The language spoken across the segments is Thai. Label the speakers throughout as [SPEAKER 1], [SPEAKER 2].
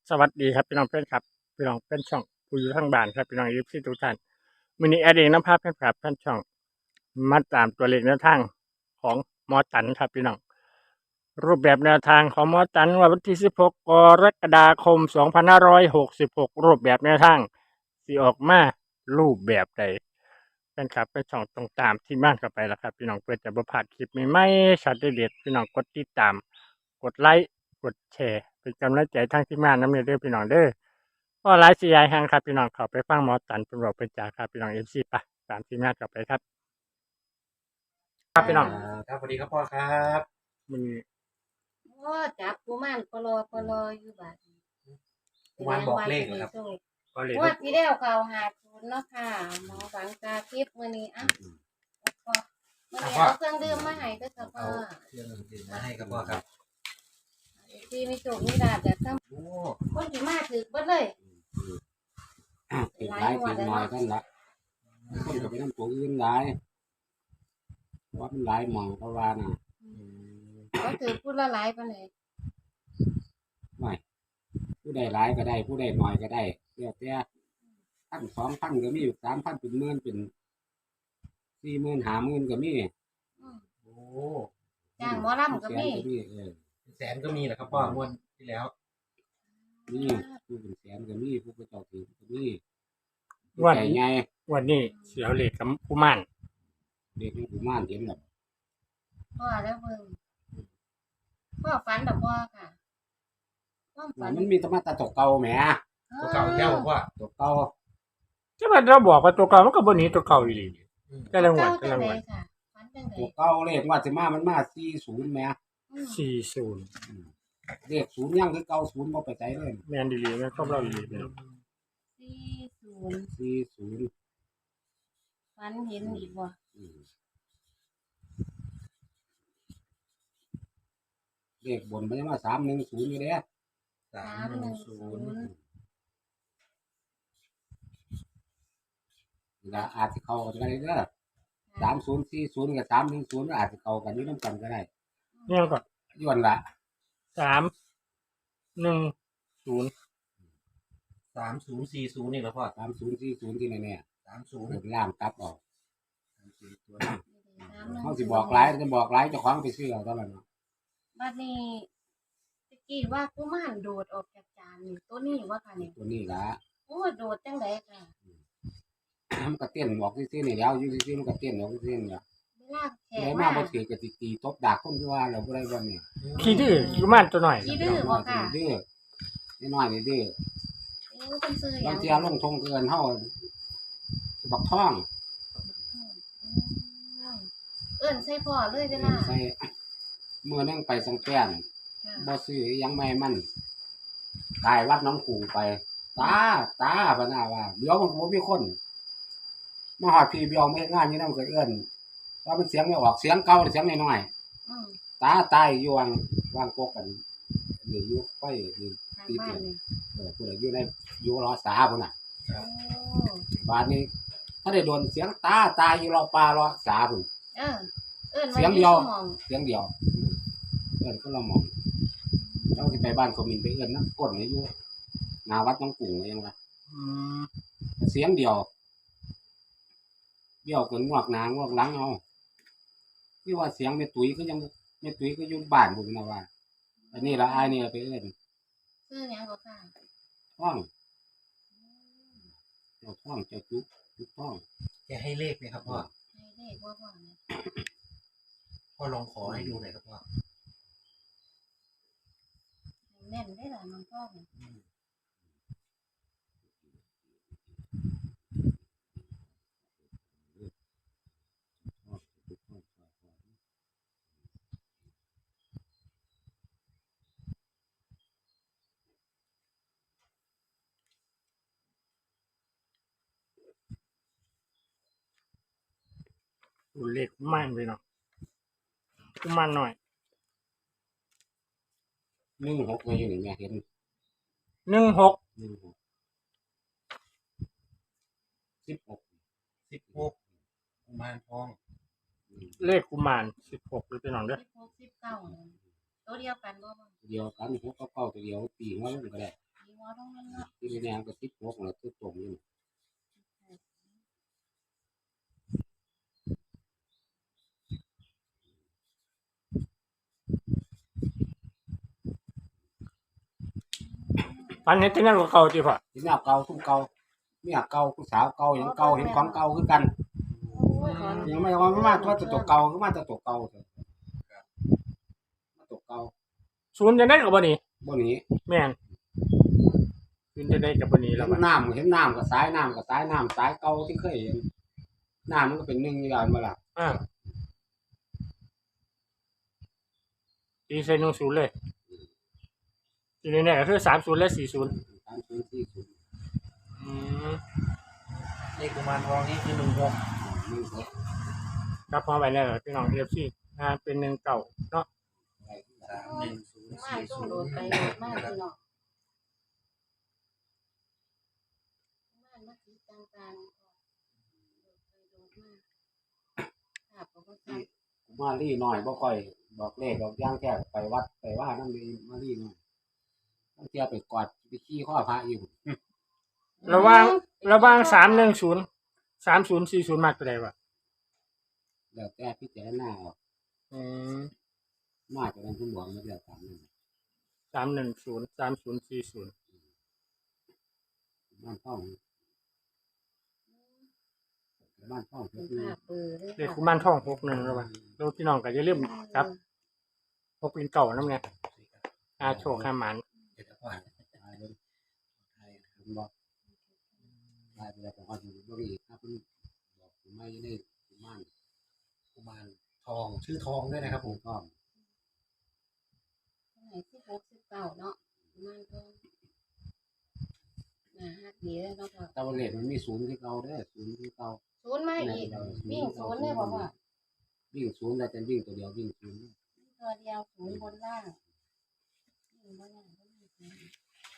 [SPEAKER 1] สวัสดีครับพี่น้องเพื่อนครับพี่น้องเพื่อนช่องผู้อยู่ทางบ้านครับพี่น้องยิปซีทุกท่านวันนี้แอดเองน้ำภาพเพื่อนครับเพื่อนช่องมาตามตัวเลขแนวทางของหมอตันครับพี่น้องรูปแบบแนวทางของหมอตันวันที่16 กรกฎาคม 2566รูปแบบแนวทางสิออกมารูปแบบใดเพื่อนครับเป็นช่องตรงตามที่บ้านเข้าไปแล้วครับพี่น้องเพื่อจะบ่พลาดคลิปใหม่ๆช็อตเด็ดๆพี่น้องกดติดตามกดไลค์กดแชร์เป็นกำลังใจทางที่บ้านน้ำเด้อพี่น้องเด้อ ก็หลายสิยายแห่งครับพี่น้องเขาไปฟังหมอตันเป็นบอกเป็นจ่าครับพี่น้องMCปะตามที่แม่กลับไปครับครับพี่น้อง
[SPEAKER 2] ครับสวัสดีครับพ่อครับ
[SPEAKER 1] มัน
[SPEAKER 3] โอ้จับกุมารปลออยู่บาดนี้
[SPEAKER 2] กุมารบอกเลขเหรอครับ
[SPEAKER 1] ก็เลย
[SPEAKER 3] งวดที่แล้วเขา50เนาะค่ะหมอฝังตาทิพย์มื้อนี้อ่ะพ่อมื้อนี้เอาเครื่องดื่มมาให้เด้อค่ะพ่อ
[SPEAKER 2] เอาเครื่องดื่มมาให้ครับพ่อครับ
[SPEAKER 3] ที่มีโชคมีลาภจากทั้ง
[SPEAKER 2] โอ้
[SPEAKER 3] คนที่มาถึกเบิดเลย
[SPEAKER 4] ติดหลายติดหน่อยกันละคนก็ไปน้ำตัวอื่นหลายว่ามันหลายหมองเพราะว่าน่ะ
[SPEAKER 3] เขาถือพูดละหลายปานใด
[SPEAKER 4] ไม่ผู้ใดหลายก็ได้ ผู้ใดหน่อยก็ได้เดี๋ยวแต่1,000 2,000ก็มี3,000เป็นหมื่นเป็น40,000 50,000ก็มี
[SPEAKER 3] อืม
[SPEAKER 2] โอ้
[SPEAKER 3] จ้างหมอลำก็มี
[SPEAKER 4] แสนก็มี
[SPEAKER 2] เป็นแสนก็มีเหรอครับพ่องวดที่แล้ว
[SPEAKER 4] มีผู้เป็นแสนก็มีผู้เป็นเจ้าถิ่นก็มี
[SPEAKER 1] วัน
[SPEAKER 4] ใจไง
[SPEAKER 1] วันนี้เสียวเหล็กกับกุมาร
[SPEAKER 4] เด็กนี่ผู้ม่านเห็นแบบ
[SPEAKER 3] พ่อแล้วเบิ่งพ่อฝันดอกบ่ค่ะความฝัน
[SPEAKER 4] มันมีธรรมะตาตกเก่าแหม
[SPEAKER 2] ตัวเก่าแก้วบอกว่า
[SPEAKER 4] ตกเก่า
[SPEAKER 1] ใช่ไหมเราบอกว่าตัวเก่ามันก็บนนี้ตัวเก่าอยู่ดี
[SPEAKER 2] อืม
[SPEAKER 1] แต่ละงวด
[SPEAKER 3] เก้า
[SPEAKER 1] แต่
[SPEAKER 3] จั
[SPEAKER 1] ละ
[SPEAKER 3] ง
[SPEAKER 1] ง
[SPEAKER 3] ได
[SPEAKER 1] วด
[SPEAKER 3] ค่ะฝันจังได
[SPEAKER 4] ตกเก่าเลขว่าสิมามันมา40แหม
[SPEAKER 1] 40
[SPEAKER 4] เลข0ยังคือเก่า0บ่ไปไสเลย
[SPEAKER 1] แมนดีๆแม่นครอบเราดีพี่น้อง
[SPEAKER 3] 40
[SPEAKER 4] 40
[SPEAKER 3] ฝันเห็นอีกบ่
[SPEAKER 4] เลขบนมันยังว่า310อยู่เด้
[SPEAKER 2] 310
[SPEAKER 4] ก็อาจสิเข้ากันได้เด้อ3040กับ310อาจสิเข้ากันอยู่นำกันก็ได้
[SPEAKER 1] เนี่ยก็
[SPEAKER 4] ย้อนละ
[SPEAKER 1] 310
[SPEAKER 2] 3040นี่เหรอพ่อ
[SPEAKER 4] 3040ที่แน่ๆ
[SPEAKER 2] 30
[SPEAKER 4] บนล่างกลับออก
[SPEAKER 2] ตัวนี้
[SPEAKER 4] เฮาสิบอกหลายจะบอกหลายเจ้าของไปซื้อเอาเท่านั้นเนาะ
[SPEAKER 3] บัดนี้ตะกี้ว่ากุมารโดดออกจากจานนี่ตัวนี้ว่าค่ะนี่
[SPEAKER 4] ตัวนี้ล่ะ
[SPEAKER 3] โอ้โดดจังไดค่ะ
[SPEAKER 4] มันก็เต้นออกซื่อๆนี่แล้วอยู่ซื่อๆมันก็เต้นออกซื่อๆนี่ล่ะ
[SPEAKER 3] เวลาแข
[SPEAKER 4] ได้
[SPEAKER 3] ก
[SPEAKER 4] มา
[SPEAKER 3] มา
[SPEAKER 4] บ่ถือก็สิตีตบดากคนคือว่าแล้วบ่ได้บ่นี่
[SPEAKER 1] ขี้ดื้อกุมารตัวหน่อย
[SPEAKER 3] ขี้ดื้อบ่ค่ะ
[SPEAKER 4] ดื้อน้อยๆนี่ดื้อ
[SPEAKER 3] เอ้ยเพิ่นซื้อห
[SPEAKER 4] บา
[SPEAKER 3] ยัง ง
[SPEAKER 4] เที่ยลงทงเกินเฮาบักท่อง
[SPEAKER 3] เอิ้นใส่พ่อเลยเวลา
[SPEAKER 4] ใส่มื้อนึงไปสังแป้น
[SPEAKER 3] ค่ะ
[SPEAKER 4] บ่ซื้ออิหยังไม่ให้มันกายวัดหน้องกรุงไปตาพะนาว่าเดี๋ยวมันบ่มีคนมาฮอดพี่เบี้ยวมาเฮ็ดงานอยู่นำก็เอิ้นว่ามันเสียงไม่ออกเสียงเก่าเสียงน้อย
[SPEAKER 3] อืม
[SPEAKER 4] ๆตายอยู่วางกกกันนี่อยู่ไฟนี่
[SPEAKER 3] ทางบ้านนี่
[SPEAKER 4] ผู้ใดอยู่ในอยู่รอสาพุ่นน่ะ
[SPEAKER 3] โอ้
[SPEAKER 4] บาดนี้ถ้าได้โดนเสียงตายอยู่รอปลารอสาพุ่น
[SPEAKER 3] เออเอิ้น
[SPEAKER 4] เสียงเดียว
[SPEAKER 3] สมอง
[SPEAKER 4] เสียงเดียวเอิ้นคนละหม่องเจ้าสิไปบ้านเขามินไปเอิ้นนะก้นนี่อยู่หน้าวัดหน้องกรุงว่ายังว่า
[SPEAKER 1] อืม
[SPEAKER 4] เสียงเดียวเบี้ยวกันงวกหน้างวกหลังเอาที่ว่าเสียงแม่ตุ้ยก็ยังแม่ตุ้ยก็อยู่บ้านพุ่นนะว่าอันนี้ละอายนี่ไปเอิ้น
[SPEAKER 3] ซื้อหยังบ่ค่ะ
[SPEAKER 4] ท้องเจ้าท้องเจ้าจุกท้อง
[SPEAKER 2] จะให้เลขไหมครับพ่อ
[SPEAKER 3] ให้เลขบ่พ่อเนี่ย
[SPEAKER 2] พ่อลองขอให้ดูหน่อยครับพ่อ
[SPEAKER 3] ให้แม่นได้ล่ะน้องพ่อเนี่ย
[SPEAKER 1] ตัวเลขกุมารพี่น้องกุมารหน่อย
[SPEAKER 4] 16ไว้อยู่นี่แม่เห็น
[SPEAKER 1] 16
[SPEAKER 4] 16 16
[SPEAKER 2] 16กุมารทอง
[SPEAKER 1] เลขกุมาร16เลยพี่น้องเด้อ
[SPEAKER 3] 16 19เนี่ยตัวเดียวกันบ่พ่อ
[SPEAKER 4] เดียวกัน6กับ9ตัวเดียวปีงว่าลงก็ได้
[SPEAKER 3] มีงวตรงนั้นเนาะ
[SPEAKER 4] ที่แนวก็16แล้วคือตรงนี่
[SPEAKER 1] ฝันเห็นที่นั่นก็เก่าที่พ่อ
[SPEAKER 4] ที่แนวเก่าทุ่มเก่าเมียเก่าผู้สาวเก่าหยังเก่าเห็นของเก่าคือกัน
[SPEAKER 3] โอ้ยขอ
[SPEAKER 4] ยังไม่ว่ามาตัวเก่าคือมาตัวเก่าเถอะมาตัวเก่า
[SPEAKER 1] ศูนย์จะได้กับบ่นี้
[SPEAKER 4] บ่หนี
[SPEAKER 1] แม่นศูนย์จะได้กับบ่นี้
[SPEAKER 4] เห็
[SPEAKER 1] แล้ว
[SPEAKER 4] น
[SPEAKER 1] บัด
[SPEAKER 4] เห็นน้ำกับสายน้ำสายเก่าที่เคยเห็นน้ำมันก็เป็น1อย่างบ่ล่ะ
[SPEAKER 1] ตีใส่10เลยทีนี้เนี่ยก็คือ30และ40
[SPEAKER 4] 3040
[SPEAKER 1] อืม
[SPEAKER 2] เลขกุมารทองนี่คือ16
[SPEAKER 1] ครับพอไปแล้วพี่น้อง FC เป็น1เก่าเนาะ
[SPEAKER 3] มาต้องโดดไปโดดมาพี่น้องมาสีต่างๆโดดไปโดดมาค่ะบ่ทัน
[SPEAKER 4] มาลี่น้อยบ่ค่อยบอกเลขดอกย่างแค่ไปวัดไปว่านั่นดีมาลี่น้อยต้องเที่ยวไปกอดไปขี้ข้อพระอยู่
[SPEAKER 1] ระหว่าง310 3040มากตัวใดวะ
[SPEAKER 4] แล้วแต่พิจารณาเอา
[SPEAKER 1] อืม
[SPEAKER 4] มาจากนั้นผมบอกมาแล้ว3นึง
[SPEAKER 1] 310 3040
[SPEAKER 4] บ้านท่องเพิ่น
[SPEAKER 3] ภาพเบอร์เลย
[SPEAKER 1] เลขกุมารทอง61แล้ววะแล้วพี่น้องก็อย่าลืมครับ6เป็นเก่านำเนี่ยโชคหมัน
[SPEAKER 2] เดี๋ยวจะพ่อ
[SPEAKER 4] ตายเลยตายผมบอกตายไปแล้วผมเอาอยู่บ่อีกครับเพิ่นบอกผมไม่ได้ม่าน
[SPEAKER 2] กุมารทองชื่อทองด้วยนะครับ
[SPEAKER 4] ผ
[SPEAKER 2] ผม ม
[SPEAKER 4] ก็
[SPEAKER 3] ไหน16 19เนาะมันก็ฮักดีเลยเนาะพ่อ
[SPEAKER 4] แต่ว่าเลขมันมี0ที่เก่าเด้อ0ที่เก่า
[SPEAKER 3] ศูนย์มาอีกวิ่งศูนย์เลยบอกว่า
[SPEAKER 4] วิ่ง0แต่จะวิ่งตัวเดียววิ่ง0
[SPEAKER 3] ตัวเดียวศูนย์บนล่างวิ่งบนล่างก็มีศูนย์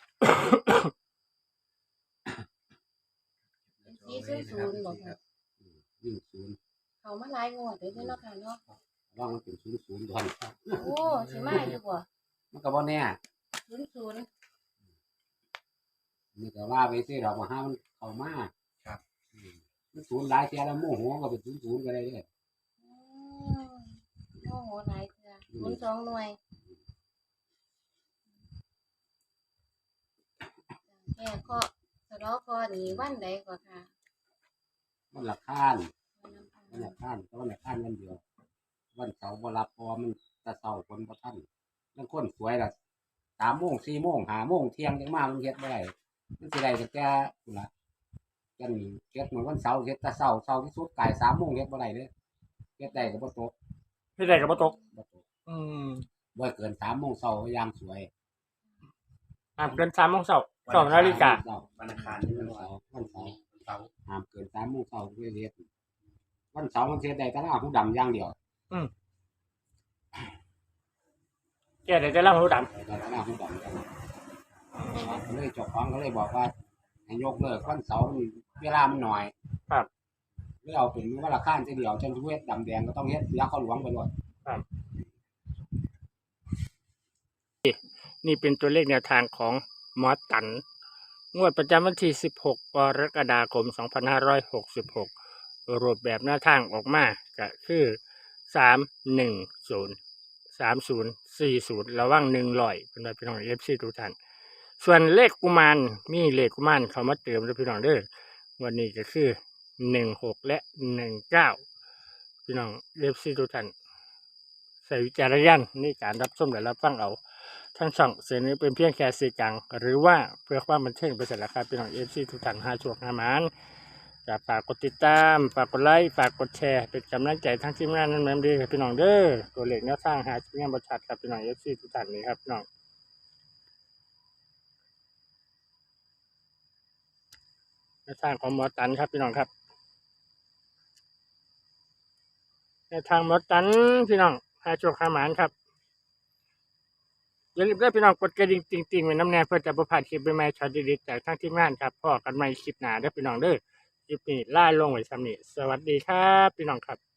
[SPEAKER 3] เป็น400บอกว่า
[SPEAKER 4] วิ่ง0
[SPEAKER 3] เขามาหลายงวดเลยเนาะค่ะเนาะ
[SPEAKER 4] ว่ามันเป็น00ดอน
[SPEAKER 3] โอ้สิมาอยู่บ่
[SPEAKER 4] มันก็บ่แน่
[SPEAKER 3] 00
[SPEAKER 4] นี่ก็ว่าไปสิเรามาหามันเข้ามามัน0หลายเที่ยแล้วโมโหก็เป็น00ก็ได้เด้อ
[SPEAKER 3] โอ้โหหลายเทื่อ02หน่วยแค่เคาะสะเลาะคอนี่วันใดก็ค่ะ
[SPEAKER 4] มันละคานวันเดียววันเสาร์บ่รับพอมันแตะเสาคนบ่ทันบางคนสวยล่ะ3 โมง 4 โมง 5 โมงเที่ยงจังมามันเฮ็ดบ่ได้มันสิได้แต่พุ่นล่ะจังเฮ็ดเหมือนวันเสาร์เฮ็ดแต่เช้าที่สุดกาย3 โมงเฮ็ดบ่ได้เด้อเฮ็ดได้ก็บ่ตก
[SPEAKER 1] พี่ได้กับบ่ตก
[SPEAKER 4] บ่ตก
[SPEAKER 1] อืม
[SPEAKER 4] บ่เกิน3 โมงเช้าก็ยังสวย
[SPEAKER 1] ห้ามเกิน3 โมงเช้า2 นาฬิกา
[SPEAKER 2] วันอังคารนี่
[SPEAKER 4] วันเสาร์
[SPEAKER 2] เสาร์
[SPEAKER 4] ห้ามเกิน3 โมงเช้าคือเฮ็ดวันเสาร์มันเฮ็ดได้แต่ละผู้ดำอย่างเดียว
[SPEAKER 1] แกได้แต่ละหูดำ
[SPEAKER 4] แต่ละผู้ดำอย่างเดียวก็เลยเจ้าของก็เลยบอกว่าให้ยกเลิกวันเสาร์นี่เวลามันน้อย
[SPEAKER 1] ครับ
[SPEAKER 4] เลยเอาเป็นวันละข้านทีเดียวจังสิเฮ็ดดำแดงก็ต้องเฮ็ดยาเข้าหลวงไปด้วย
[SPEAKER 1] นี่เป็นตัวเลขแนวทางของหมอตันงวดประจำวันที่16 กรกฎาคม 2566 รูปแบบหน้าทางออกมาก็คือ310 3040ระว่าง100เป็นพี่น้อง FC ทุกท่านส่วนเลขกุมารมีเลขกุมารเข้ามาเติมด้วยพี่น้องเด้อวันนี้ก็คือ16และ19พี่น้อง FC ทุกท่านใส่วิจารณญาณในการรับชมและรับฟังเอาทั้งช่องเสนอเป็นเพียงแค่สื่อกลางหรือว่าเพื่อความบันเทิงไปเสร็จแล้วครับพี่น้อง FC ทุกท่าน5ช่วง5หมานจะฝากกดติดตามฝากกดไลค์ฝากกดแชร์เป็นกำลังใจทั้งทีมงานนั้นแม่นดีครับพี่น้องเด้อตัวเลขแนวทางหาชิ้นงานบริษัทครับพี่น้อง FC ทุกท่านนี้ครับพี่น้องแนวทางของหมอตันครับพี่น้องครับแนวทางหมอตันพี่น้อง5ช่วง5หมานครับอย่าลืมด้วยพี่น้องกดกระดิ่งติ่งๆไว้น้ำแน่เพื่อจะประพลาดคลิปใหม่ๆช็อตดีๆจากทั้งทีมงานครับพอกันใหม่คลิปหน้าเด้อพี่น้องเด้อคลิปนี้ล่าลงไว้ซ้ำนี้สวัสดีครับพี่น้องครับ